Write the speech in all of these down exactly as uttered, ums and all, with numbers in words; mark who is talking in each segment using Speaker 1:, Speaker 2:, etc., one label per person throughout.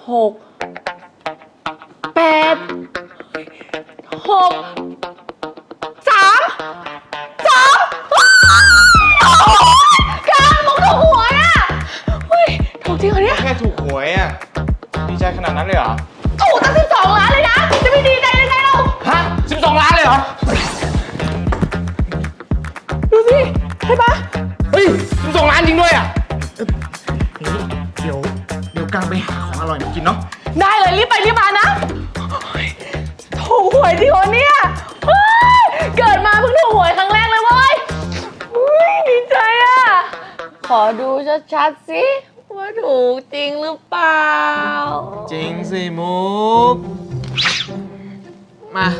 Speaker 1: หกแปดหกสามสองโอ้กลางมุกถูกหวยอ่ะเฮ้ยถูกจริงเหรอเนี่ย
Speaker 2: แค่ถูกหวยอ่ะดีใจขนาดนั้นเลยเหรอ
Speaker 1: ถูกตั้งสิบสองล้านเลยนะจะไม่ดีใจได้ไงเรา
Speaker 2: ฮะสิบสองล้านเลยเหรอ
Speaker 1: ดูสิใช่ปะ
Speaker 2: เฮ้ยสิบสองล้านจริงด้วยอ่ะเดี๋ยวเดี๋ยวกลางไปหาของอร่อยมากินเนาะ
Speaker 1: ได้เลยรีบไปรีบมานะถูกหวยจริงเหรอเนี่ยเกิดมาเพิ่งถูกหวยครั้งแรกเลยเว้ยดีใจอ่ะขอดูชัดๆสิว่าถูกจริงหรือเปล่า
Speaker 2: จริงสิมุกมา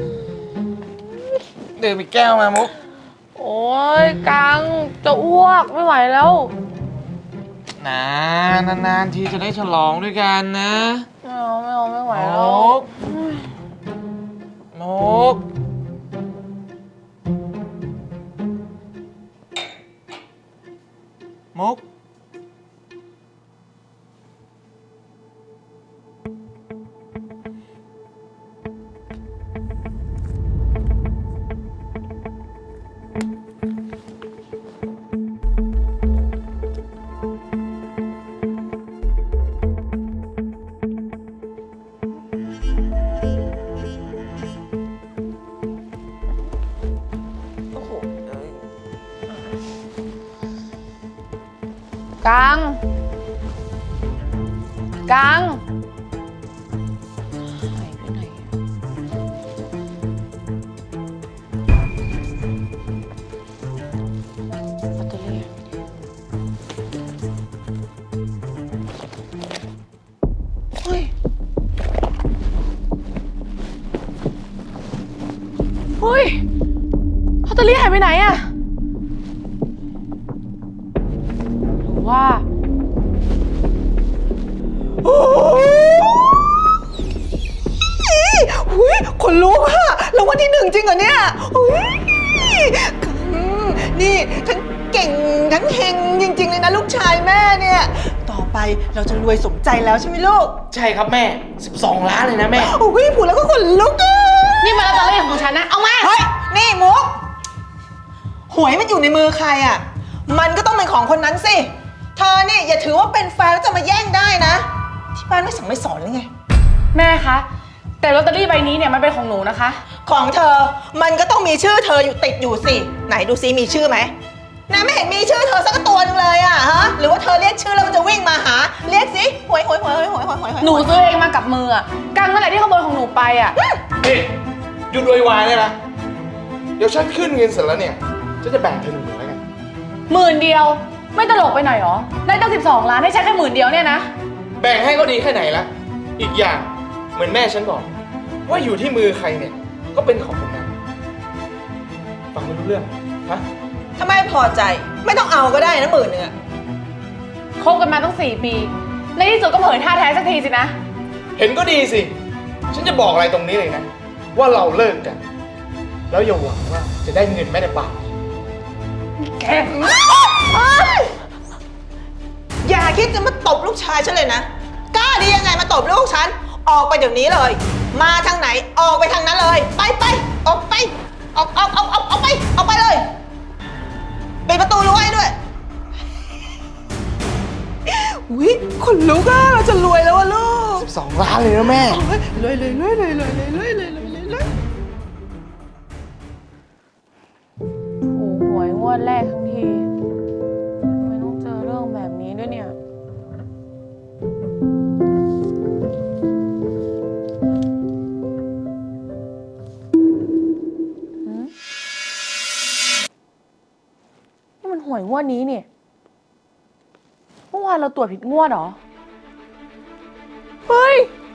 Speaker 2: ดื่มอีกแก้วมามุก
Speaker 1: โอ้ยกังจะอ้วกไม่ไหวแล้ว
Speaker 2: นะนานๆทีจะได้ฉลองด้วยกันนะ
Speaker 1: ไม่เอาไม่เอาไม่ไหวแล้ว
Speaker 2: มุกมุกมุก
Speaker 1: กังกังหายไปไหนแบตเตอรี่เฮ้ยเฮ้ยแบตเตอรี่หายไปไหนอะว่า
Speaker 3: โอ้ยหุยขนลุกอะแล้ววันที่หนึ่งจริงเหรอเนี่ยหุยนี่ทั้งเก่งทั้งเฮงจริงๆเลยนะลูกชายแม่เนี่ยต่อไปเราจะรวยสมใจแล้วใช่ไหมลูก
Speaker 2: ใช่ครับแม่สิบสองล้านเลยนะแม่
Speaker 3: โอ้ยพูดแล้วก็ขนลุกอะ
Speaker 1: นี่มันลอตเตอรี่ของฉันนะเอามา
Speaker 3: เฮ้ยนี่มุกหวยมันอยู่ในมือใครอะมันก็ต้องเป็นของคนนั้นสิเธอนี่อย่าถือว่าเป็นแฟนแล้วจะมาแย่งได้นะที่บ้านไม่สั่งไม่สอนเลยไง
Speaker 1: แม่คะแต่ลอตเตอรี่ใบนี้เนี่ยมันเป็นของหนูนะคะ
Speaker 3: ของเธอมันก็ต้องมีชื่อเธออยู่ติดอยู่สิไหนดูซิมีชื่อไหมนะไม่เห็นมีชื่อเธอสักตัวนึงเลยอะฮะหรือว่าเธอเรียกชื่อแล้วมันจะวิ่งมาหาเรียกสิหวยหวยหวยหวยหวยหวยหวย
Speaker 1: หนูซื้อเองมากับมืออะกังนั่นแหละที่ขโมยของหนูไปอะ
Speaker 2: นี่หยุดโวยวายเลยนะเดี๋ยวฉันขึ้นเงินเสร็จแล้วเนี่ยฉันจะแบ่งเธอหนึ่งหมื่นแล้วกัน
Speaker 1: หมื่นเดียวไม่ตลกไปหน่อยหรอได้ตั้งสิบสองล้านให้ใช้แค่หมื่นเดียวเนี่ยนะ
Speaker 2: แบ่งให้ก็ดีแค่ไหนละอีกอย่างเหมือนแม่ฉันบอกว่าอยู่ที่มือใครเนี่ยก็เป็นของคนนั้นฟังไม่รู้เรื่องฮะ
Speaker 3: ถ้าไม่พอใจไม่ต้องเอาก็ได้นะหมื่นหนึ่งอะ
Speaker 1: คบกันมาตั้งสี่ปีในที่สุดก็เผยท่าแท้สักทีสินะ
Speaker 2: เห็นก็ดีสิฉันจะบอกอะไรตรงนี้เลยนะว่าเราเลิกกันแล้วอย่าหวังว่าจะได้เงินแม่ในปาก
Speaker 3: แกอย่าคิดจะมาตบลูกชายฉันเลยนะกล้าดียังไงมาตบลูกฉันออกไปเดี๋ยวนี้เลยมาทางไหนออกไปทางนั้นเลยไปไปออกไปออกออกออกออกออกไปออกไปเลยปิดประตูรั้วให้ด้วยอุ๊ยคนลุกอะเราจะรวยแล้วอะลูก
Speaker 2: สิบสองล้านเลยนะแม่
Speaker 3: รวยเลยรวยเลยรวยเลยรวยเลยรวยเลยรวย
Speaker 1: ถูกหวยงวดแรกทั้งทีไม่ต้องเจอเรื่องแบบนี้ด้วยเนี่ยนี่มันหวยงวดนี้เนี่ยเมื่อวานเราตรวจผิดงวดเหรอเฮ้ย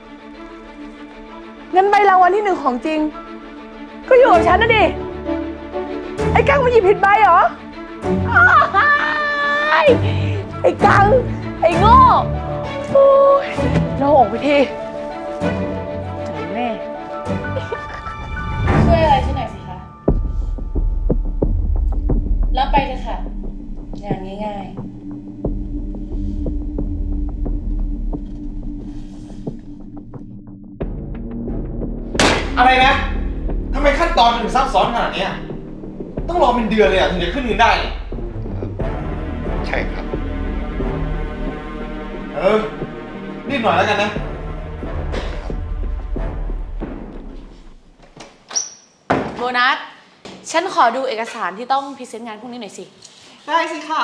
Speaker 1: งั้นใบรางวัลที่หนึ่งของจริงก็อยู่กับฉันนะดิไอ้กังมันหยิบผิดใบเหรอไอ้กังไอ้โง่เราออกไปทีเจอแม่ช่วยอะไรฉันหน่อยสิคะรับไปเลยค่ะงานง่ายๆ
Speaker 2: อะไรนะทำไมขั้นตอนมันถึงซับซ้อนขนาดเนี้ยต้องรอเป็นเดือนเลยอ่ะถึงจะขึ้นเงินได้เนี่ย
Speaker 4: ใช่ครับ
Speaker 2: เออรีบหน่อยแล้วกันนะ
Speaker 1: โบนัส ฉันขอดูเอกสารที่ต้องพรีเซนต์งานพวกนี้หน่อยสิ
Speaker 3: ได้สิคะ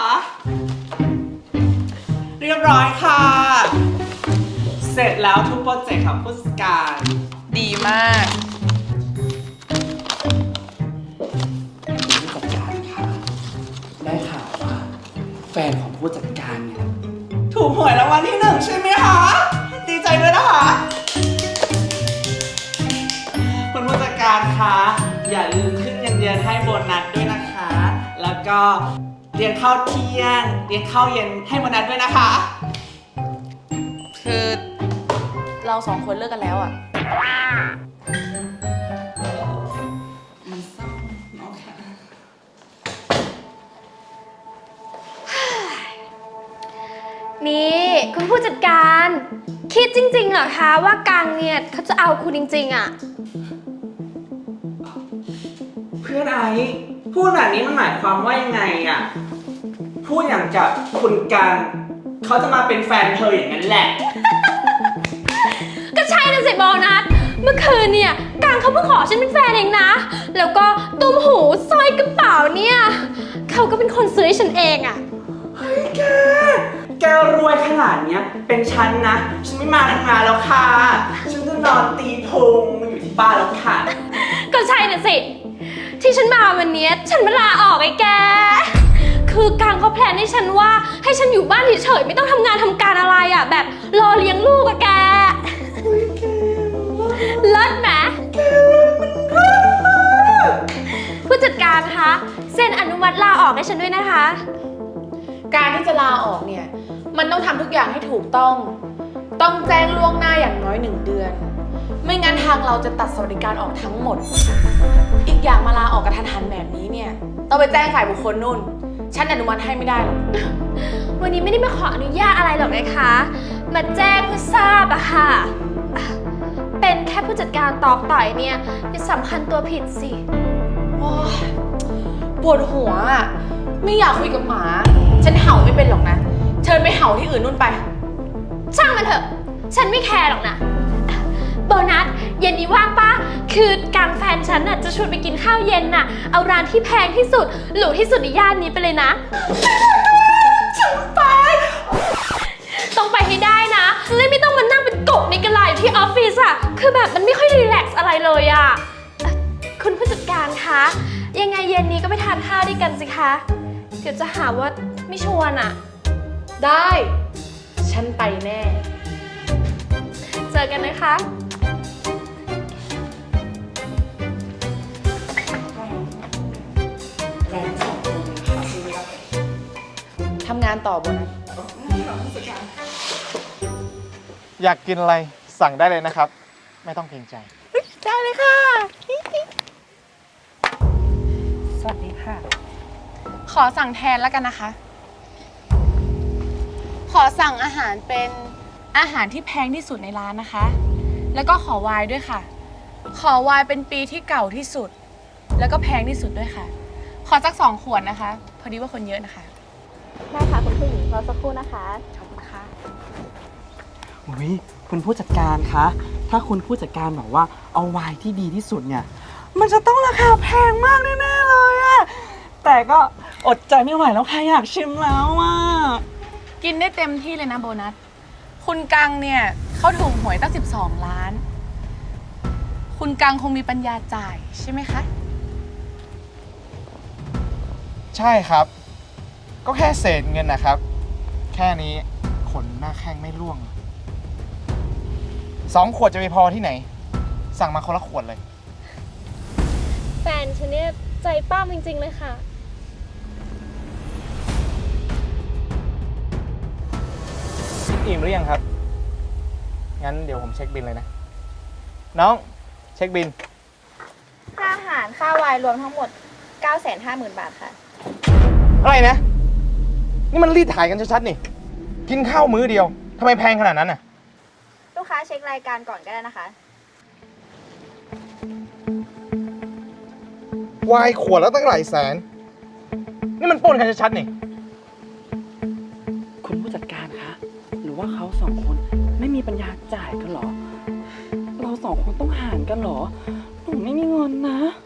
Speaker 3: เรียบร้อยค่ะ เสร็จแล้วทุกโปรเจกต์ของผู้จัดการ
Speaker 1: ดีมาก
Speaker 5: ผู้จัดการค่ะได้ข่าวว่าแฟนของผู้จัดการเนี่ย
Speaker 3: ถูกหวยรางวัลที่หนึ่งใช่ไหมคะ ดีใจด้วยนะคะ คุณผู้จัดการคะอย่าลืมขึ้นเงินเดือนให้โบนัสด้วยนะคะ แล้วก็เรียนข้าวเที่ยงเรียนข้าวเย็นให้โบนัสด้วยนะคะ
Speaker 1: คือเราสองคนเลิกกันแล้วอ่ะ
Speaker 3: มันเศร้าเนาะค่ะ
Speaker 6: นี่คุณผู้จัดการคิดจริงๆเหรอคะว่ากังเนี่ยเขาจะเอาคุณจริงๆอะ
Speaker 3: เพื่อนไอ้พูดแบบนี้มันหมายความว่ายังไงอะพูดอย่างกับคุณการเขาจะมาเป็นแฟนเธออย่างนั้นแหละ
Speaker 6: ก็ใช่นะสิโบนัสเมื่อคืนเนี่ยกังเขาเพิ่งขอฉันเป็นแฟนเองนะแล้วก็ตุ้มหูสร้อยกระเป๋าเนี่ยเขาก็เป็นคนซื้อให้ฉันเองอะ
Speaker 3: เฮ้ยแก แกรวยขนาดเนี้ย เป็นฉันนะ ฉันไม่มาทำงานแล้วค่ะ ฉันจะนอนตีพุงอยู่ที่บ้านแล้วค่ะ
Speaker 6: ก็ใช่นะสิที่ฉันมาวันเนี้ยฉันมาลาออกไอ้แกคือกังเขาแพลนให้ฉันว่าให้ฉันอยู่บ้านเฉยๆไม่ต้องทำงานทำการอะไรอะแบบรอเลี้ยงลูกอะแกเลิศไหมผู้จัดการคะเซ็นอนุมัติลาออกให้ฉันด้วยนะคะ
Speaker 1: การที่จะลาออกเนี่ย มันต้องทำทุกอย่างให้ถูกต้อง ต้องแจ้งล่วงหน้าอย่างน้อยหนึ่งเดือน ไม่งั้นทางเราจะตัดสวัสดิการออกทั้งหมด อีกอย่างมาลาออกกระทันหันแบบนี้เนี่ย ต้องไปแจ้งฝ่ายบุคคลนู่น ฉันอนุมัติให้ไม่ได้หรอก
Speaker 6: วันนี้ไม่ได้มาขออนุญาตอะไรหรอกนะคะ มาแจ้งเพื่อทราบอะค่ะ เป็นแค่ผู้จัดการตอกต่อยเนี่ยอย่าสำคัญตัวผิดสิ
Speaker 1: โอ๊ยปวดหัวอ่ะ ไม่อยากคุยกับหมา ฉันเห่าไม่เป็นหรอกนะ เชิญไปเห่าที่อื่นนู่นไป
Speaker 6: ช่างมันเถอะ ฉันไม่แคร์หรอกนะ โบนัสเย็นนี้ว่างปะคือการแฟนฉันน่ะจะชวนไปกินข้าวเย็นน่ะ เอาร้านที่แพงที่สุด หรูที่สุดในย่านนี้ไปเลยนะ ฉันไป ต้องไปให้ได้นะเลยไม่ต้องมานั่งเป็นกบในกระไรอยู่ที่ออฟฟิศอะคือแบบมันไม่ค่อยรีแลกซ์อะไรเลยอะเอ่อคุณผู้จัดการคะ ยังไงเย็นนี้ก็ไปทานข้าวด้วยกันสิคะ เดี๋ยวจะหาว่าไม่ชวนอะ
Speaker 1: ได้ ฉันไปแน่
Speaker 6: เจอกันนะคะ
Speaker 1: ทำงานต่อบนนะ
Speaker 2: อยากกินอะไรสั่งได้เลยนะครับ ไม่ต้องเกรงใจ
Speaker 1: ได้เลยค่ะ สวัสดีค่ะ ขอสั่งแทนแล้วกันนะคะ ขอสั่งอาหารเป็นอาหารที่แพงที่สุดในร้านนะคะ แล้วก็ขอไวน์ด้วยค่ะ ขอไวน์เป็นปีที่เก่าที่สุด แล้วก็แพงที่สุดด้วยค่ะ ขอสักสองขวดนะคะ พอดีว่าคนเยอะนะคะ
Speaker 6: ได้ค่ะคุณผู้หญิงรอสักครู่นะคะ
Speaker 1: ขอบคุณค่ะ
Speaker 5: อุ้ยคุณผู้จัดการคะ ถ้าคุณผู้จัดการบอกว่าเอาไวน์ที่ดีที่สุดเนี่ย มันจะต้องราคาแพงมากแน่ๆเลยอะแต่ก็อดใจไม่ไหวแล้วค่ะอยากชิมแล้วอะ
Speaker 1: กินได้เต็มที่เลยนะโบนัส คุณกังเนี่ยเขาถูกหวยตั้งสิบสองล้าน คุณกังคงมีปัญญาจ่ายใช่ไหมคะ
Speaker 2: ใช่ครับ ก็แค่เศษเงินนะครับ แค่นี้ขนหน้าแข้งไม่ร่วง สองขวดจะไปพอที่ไหน สั่งมาคนละขวดเลย
Speaker 6: แฟนฉันเนี่ยใจป้ามจริงๆเลยค่ะ
Speaker 2: อิ่มหรือยังครับ งั้นเดี๋ยวผมเช็คบินเลยนะ น้องเช็คบิน
Speaker 7: ค่าอาหารค่าไวน์รวมทั้งหมด เก้าแสนห้าหมื่น บาทค่ะ
Speaker 2: อะไรนะ นี่มันรีดถ่ายกันชัดๆนี่ กินข้าวมื้อเดียวทำไมแพงขนาดนั้นน่ะ
Speaker 7: ลูกค้าเช็ครายการก่อนก็ได้นะคะ
Speaker 2: วายขวดแล้วตั้งหลายแสน นี่มันปล้นกันชัดๆนี่
Speaker 5: คุณผู้จัดการคะ หรือว่าเขาสองคนไม่มีปัญญาจ่ายกันเหรอ เราสองคนต้องหารกันเหรอ หนูไม่มีเงินนะ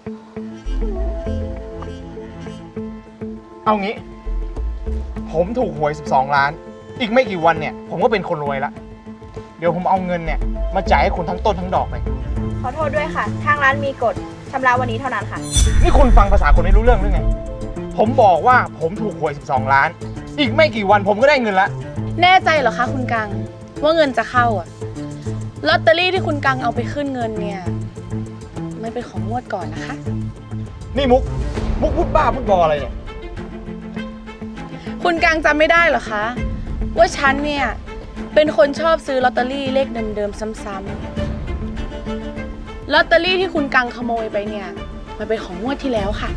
Speaker 2: เอางี้ ผมถูกหวยสิบสองล้าน อีกไม่กี่วันเนี่ย ผมก็เป็นคนรวยละ เดี๋ยวผมเอาเงินเนี่ยมาจ่ายให้คุณทั้งต้นทั้งดอกเลย
Speaker 7: ขอโทษด้วยค่ะ ทางร้านมีกฎชำระวันนี้เท่านั้นค่ะ
Speaker 2: นี่คุณฟังภาษาคนไม่รู้เรื่องหรือไง ผมบอกว่าผมถูกหวยสิบสองล้าน อีกไม่กี่วันผมก็ได้เงินละ
Speaker 1: แน่ใจเหรอคะคุณกังว่าเงินจะเข้าอะลอตเตอรี่ที่คุณกังเอาไปขึ้นเงินเนี่ยมันเป็นของงวดก่อนนะคะ
Speaker 2: นี่มุก มุกพูดบ้าพูดบออะไรเนี่ย
Speaker 1: คุณกังจำไม่ได้เหรอคะ ว่าฉันเนี่ยเป็นคนชอบซื้อลอตเตอรี่เลขเดิมๆซ้ำๆลอตเตอรี่ที่คุณกังขโมยไปเนี่ยมันเป็นของงวดที่แล้วค่ะ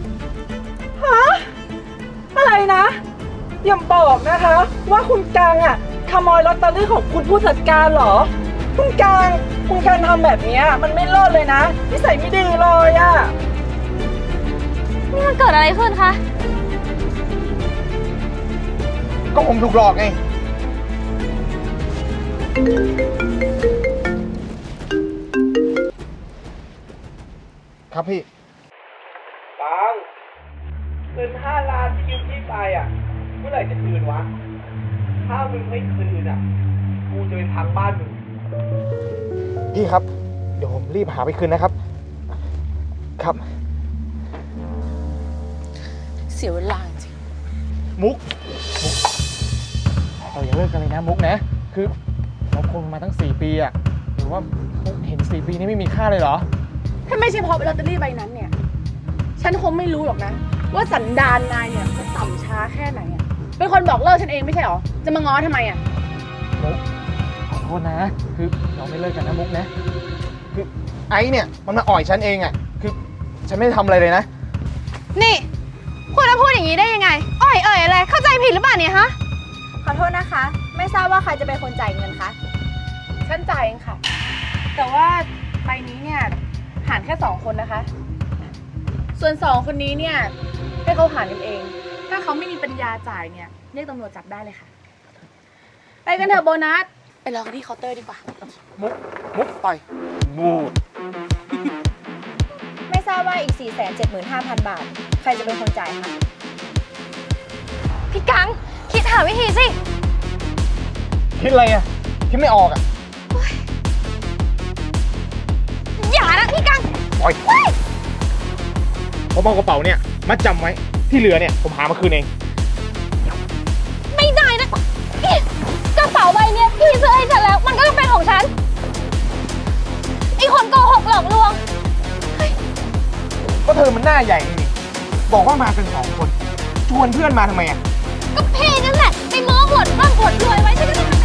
Speaker 5: อะไรนะ อย่าบอกนะคะ ว่าคุณกางอ่ะขโมยลอตเตอรี่ของคุณผู้จัดการเหรอ คุณกางคุณการทำแบบเนี้ยมันไม่รอดเลยนะนิสัยไม่ดีเลยอ่ะ
Speaker 6: นี่มันเกิดอะไรขึ้นคะ
Speaker 2: ก็ผมถูกหลอกไง ครับพี่
Speaker 5: ปังเงินห้าล้านที่ยืมพี่ไปอ่ะ เมื่อไหร่จะคืนวะ ถ้ามึงไม่คืนอ่ะ กูจะไปพังบ้านมึง
Speaker 2: พี่ครับ เดี๋ยวผมรีบหาไปคืนนะครับ ครับ
Speaker 1: เสียเวลาจริง
Speaker 2: มุก มุก เราอย่าเลิกกันเลยนะมุกนะ คือเราคบกันมาตั้งสี่ปีอะหรือว่ามุกเห็นสี่ปีนี้ไม่มีค่าเลยเหรอ
Speaker 1: ถ้าไม่ใช่เพราะลอตเตอรี่ใบนั้นเนี่ย ฉันคงไม่รู้หรอกนะ ว่าสันดานนายเนี่ยจะต่ำช้าแค่ไหนอ่ะ เป็นคนบอกเลิกฉันเองไม่ใช่หรอ จะมาง้อทำไมอ่ะ
Speaker 2: มุกขอโทษนะ คือเราไม่เลิกกันนะมุกนะ คือไอ้เนี่ยมันมาอ่อยฉันเองอะคือฉันไม่ได้ทำอะไรเลยนะ
Speaker 6: นี่คุณจะพูดอย่างนี้ได้ยังไง อ่อยเอ่ยอะไร เข้าใจผิดหรือเปล่าเนี่ยฮะ
Speaker 7: ขอโทษนะคะ ไม่ทราบว่าใครจะเป็นคนจ่ายเงินคะ
Speaker 1: ฉันจ่ายเองค่ะ แต่ว่าใบนี้เนี่ยหารแค่สองคนนะคะ ส่วนสองคนนี้เนี่ยให้เขาหารกันเอง ถ้าเขาไม่มีปัญญาจ่ายเนี่ยเรียกตำรวจจับได้เลยค่ะ ไปกันเถอะโบนัส ไปรอกันที่เคาน์เตอร์ดีกว่า
Speaker 2: มุก มุกไปมูด
Speaker 7: ไม่ทราบว่าอีก สี่แสนเจ็ดหมื่นห้าพัน บาท ใครจะเป็นคนจ่ายคะ
Speaker 6: พี่กัง คิดหาวิธีสิ
Speaker 2: คิดอะไรอะคิดไม่ออกอะ
Speaker 6: อย่านะพี่กัง
Speaker 2: ปล่อยผมเอากระเป๋าเนี่ยมัดจำไว้ ที่เหลือเนี่ยผมหามาคืนเอง
Speaker 6: ไม่ได้นะนี่กระเป๋าใบเนี้ยพี่ซื้อให้ฉันแล้ว มันก็ต้องเป็นของฉันไอ้คนโกหกหลอกลวง
Speaker 2: ก็เธอมันหน้าใหญ่นี่บอกว่ามากันสองคน ชวนเพื่อนมาทำไมอ่ะ
Speaker 6: ก็พี่นั่นแหละไปโม้อวดร่ำอวดรวยไว้ฉันก็ต้อง